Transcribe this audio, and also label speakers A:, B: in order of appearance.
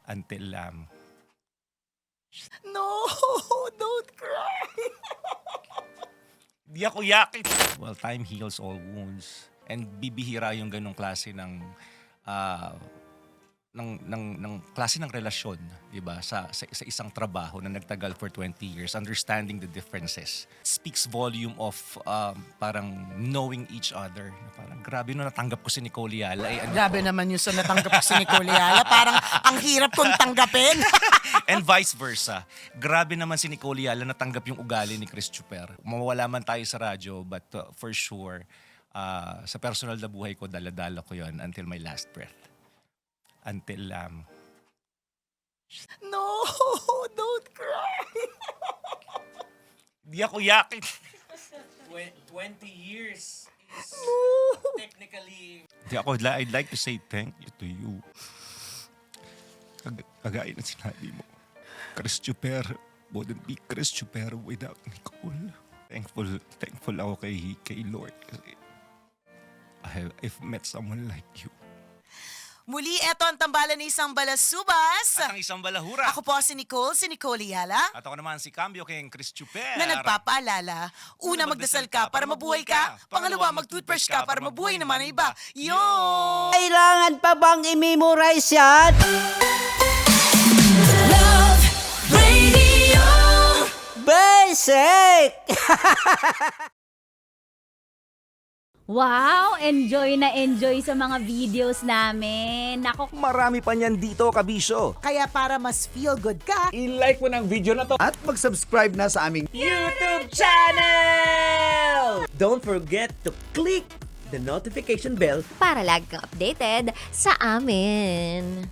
A: until
B: No, don't cry.
A: di ako yakit. Well, time heals all wounds. And bibihira yung ganong klase ng klase ng relasyon, 'di ba? Sa isang trabaho na nagtagal for 20 years, understanding the differences speaks volume of parang knowing each other. Parang grabe no natanggap ko si Nicole Yala.
B: Grabe naman yung sa natanggap ko si Nicole Yala. Parang ang hirap kong tanggapin.
A: And vice versa. Grabe naman si Nicole Yala natanggap yung ugali ni Chris Chuper. Mawawala man tayo sa radyo, but for sure, sa personal na buhay ko, dala-dala ko yon until my last breath. Until
B: No, don't cry.
A: di ako yakit.
C: 20 years is technically...
A: I'd like to say thank you to you. Kagaya na sinabi mo, Chris Chuper wouldn't be Chris Chuper without Nicole. Thankful ako kay Lord kasi I've met someone like you.
B: Muli, eto ang tambalan ng isang balasubas.
A: At ang isang balahura.
B: Ako po si Nicole Yala,
A: At ako naman si Cambio kay Chris Chuper.
B: na nagpapaalala. Una, magdasal ka para mabuhay ka. Pangalawa, mag-toothbrush ka para mabuhay naman ang iba. Yun!
D: Kailangan pa bang i-memorize yan?
E: Love Radio.
D: Basic!
F: Wow! Enjoy na enjoy sa mga videos namin. Nako,
G: Marami pa niyan dito, kabisyo.
B: Kaya para mas feel good ka,
C: I-like mo ng video na to.
G: At mag-subscribe na sa aming
D: YouTube channel! Don't forget to click the notification bell
E: Para lagi kang updated sa amin.